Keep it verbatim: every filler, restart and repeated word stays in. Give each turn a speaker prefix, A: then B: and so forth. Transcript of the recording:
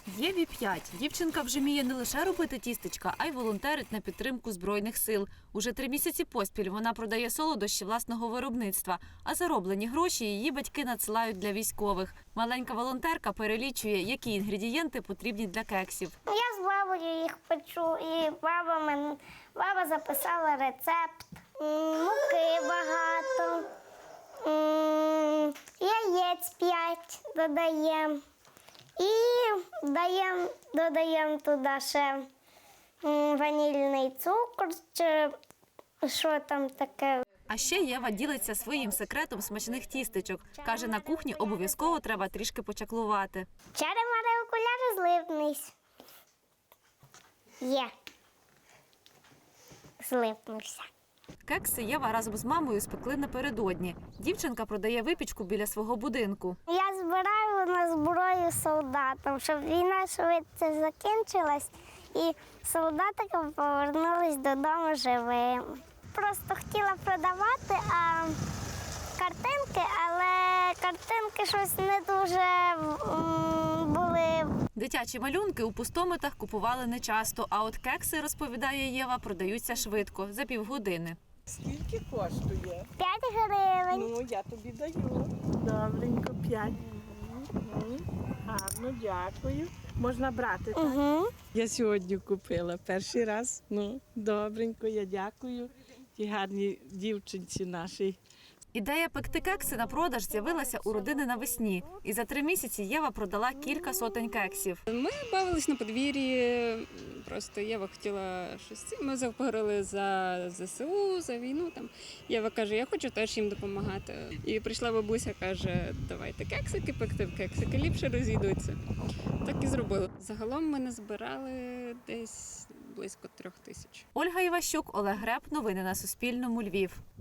A: Єві п'ять. Дівчинка вже вміє не лише робити тістечка, а й волонтерить на підтримку Збройних сил. Уже три місяці поспіль вона продає солодощі власного виробництва, а зароблені гроші її батьки надсилають для військових. Маленька волонтерка перелічує, які інгредієнти потрібні для кексів.
B: Я з бабою їх печу, і баба, мен... баба записала рецепт. Муки багато, яєць п'ять додаємо. І даємо, додаємо туди ще ванільний цукор, чи що там таке.
A: А ще Єва ділиться своїм секретом смачних тістечок. Каже, на кухні обов'язково треба трішки почаклувати.
B: Чари-мари, окуляри, злипнись. Є. Злипнувся.
A: Кекси Єва разом з мамою спекли напередодні. Дівчинка продає випічку біля свого будинку.
B: Я збираю на зброю солдатам, щоб війна швидше закінчилась і солдатики повернулись додому живими. Просто хотіла продавати а картинки, але картинки щось не дуже м, були.
A: Дитячі малюнки у пустомитах купували нечасто, а от кекси, розповідає Єва, продаються швидко, за півгодини.
C: Скільки коштує?
B: П'ять гривень.
C: Ну, я тобі даю. Добренько, п'ять. Угу. Гарно, дякую. Можна брати, так?
B: Угу.
C: Я сьогодні купила перший раз. Ну, добренько, я дякую тій гарній дівчинці нашій.
A: Ідея пекти кекси на продаж з'явилася у родини навесні. І за три місяці Єва продала кілька сотень кексів.
D: Ми бавились на подвір'ї, просто Єва хотіла щось. Ми заговорили за ЗСУ, за війну. Там. Єва каже, я хочу теж їм допомагати. І прийшла бабуся, каже, давайте кексики пекти, кексики ліпше розійдуться. Так і зробили. Загалом ми назбирали десь близько трьох тисяч.
A: Ольга Іващук, Олег Греб. Новини на Суспільному. Львів.